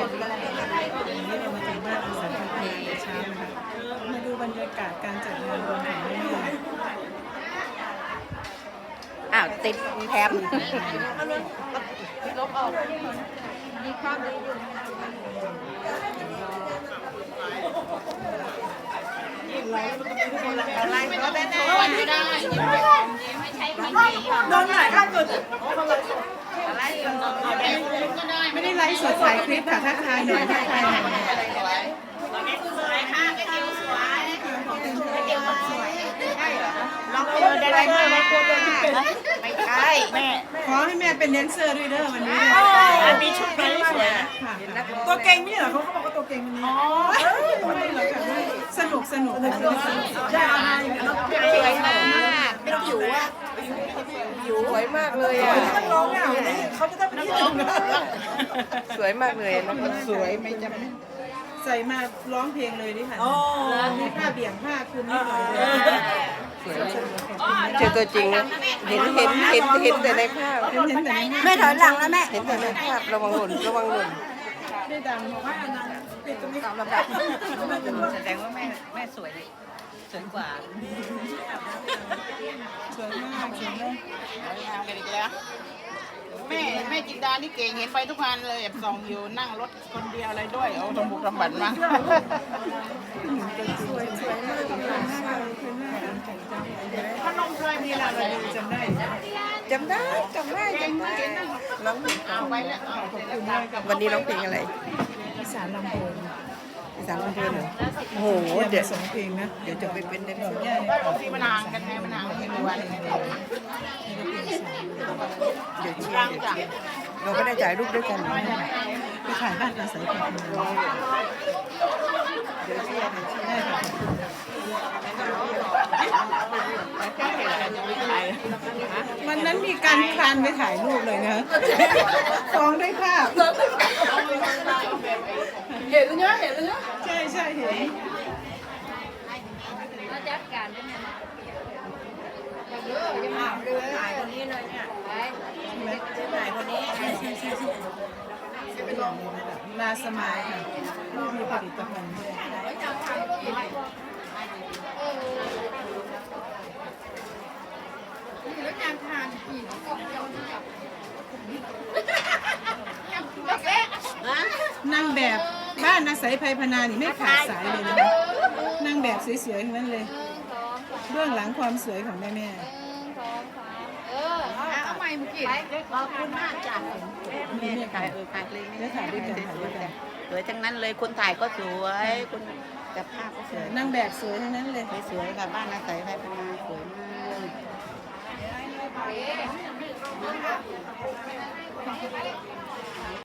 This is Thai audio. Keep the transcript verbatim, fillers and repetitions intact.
วันนี้เรามาถึงบ้านอาสาพัฒนาแต่เช้านะคะมาดูบรรยากาศการจัดงานวันของแม่แม่อ้าวติดแถมลบออกมีความดีอยู่อะไรก็ได้แน่ไม่ได้ไม่ใช่ไม่ดีโดนหลายขั้นสุดอะไรก็ได้ไม่ได้ไลฟ์สดถ่ายคลิปค่ะทักทายหน่อยทักทายหน่อยสวยค่ะไปเที่ยวสวยไปเที่ยวคนสวยใช่เหรอลองเปิดอะไรมาไม่ใช่แม่ขอให้แม่เป็นแดนเซอร์ด้วยเด้อวันนี้อันมีชุดไหมสวยค่ะตัวเก่งไม่ใช่เหรอเขาเขาบอกว่าตัวเก่งวันนี้ไม่ได้เหรอค่ะสนุกสนุกสนุกสนุกสวยมากเป็นผิวอ่ะผิวสวยมากเลยอ่ะต้องร้องอ่ะเขาจะต้องเป็นที่หนึ่งสวยมากเลยนะสวยไม่จำใส่มาร้องเพลงเลยดิค่ะมีผ้าเบี่ยงผ้าคลุมนิดหน่อยเลยเจอตัวจริงนะเห็นเห็นเห็นเห็นแต่ในภาพเห็นแต่ในแม่ถอยหลังแล้วแม่เห็นแต่ในภาพระวังหล่นระวังหล่นได้ดังบอกว่าอันนั้นเป็นตรงนี้ตามลำดับแสดงว่าแม่แม่สวยเลยสวยกว่าสวยมากสวยมากทำกันอีกแล้วแม่แม่จินดานี่เก่งเห็นไปทุกงานเลยแอบส่องอยู่นั่งรถคนเดียวอะไรด้วยเอาตำบุกตำบันมาสวยสวยมากสวยมากสวยมากแต่งจังเลยพนมเคยมีอะไรเลยจำได้จำได้จำได้จำได้ร้องเอาไว้แล้วเอาเสร็จแล้วกลับวันนี้ร้องเพลงอะไรอีสานลำโพงอีสานลำเพลินเหรอโอ้โหเดี๋เดี๋ยยว วสองเพลงนะเดี๋ยวจะไปเป็นแดนเซอร์ได้บางทีมันห่างกันไงมันห่างกันเป็นวันเดี๋ยวเชียร์เดี๋ยวเชียร์เราก็ได้ถ่ายรูปด้วยกันไปถ่ายบ้านอาศัยกันเดี๋ยวเชียร์เดี๋ยวเชียร์ได้ค่ะแค่เห็นกันยังไม่ไปวันนั้นมีการคลานไปถ่ายรูปเลยนะฟ้องด้วยภาพเห็นเนี้ยเห็นเนี้ยใช่ใช่เห็นจัดการเป็นยังไงเยอะจะมาดูถ่ายคนนี้เลยเนี่ยไปถ่ายคนนี้ลาสมายค่ะมีผลิตภัณฑ์ด้วยแล้วการทานกี่นางแบบบ้านอาศัยภัยพนานี่ไม่ขาดสายเลยนะนางแบบสวยๆทั้งนั้นเลยเบื้องหลังความสวยของแม่แม่เอาใหม่เมื่อกี้ขอบคุณมากจ้ะมีแม่ถ่าถ่าย ยเออถ่ายเลยได้ถ่ายด้วยกันถ่ายด้วยกันสวยทั้งนั้นเลยคนถ่ายก็สวยคนจับภาพก็สวยนางแบบสวยทั้งนั้นเลยสวยค่ะบ้านอาศัยไทยพนาสวยมาก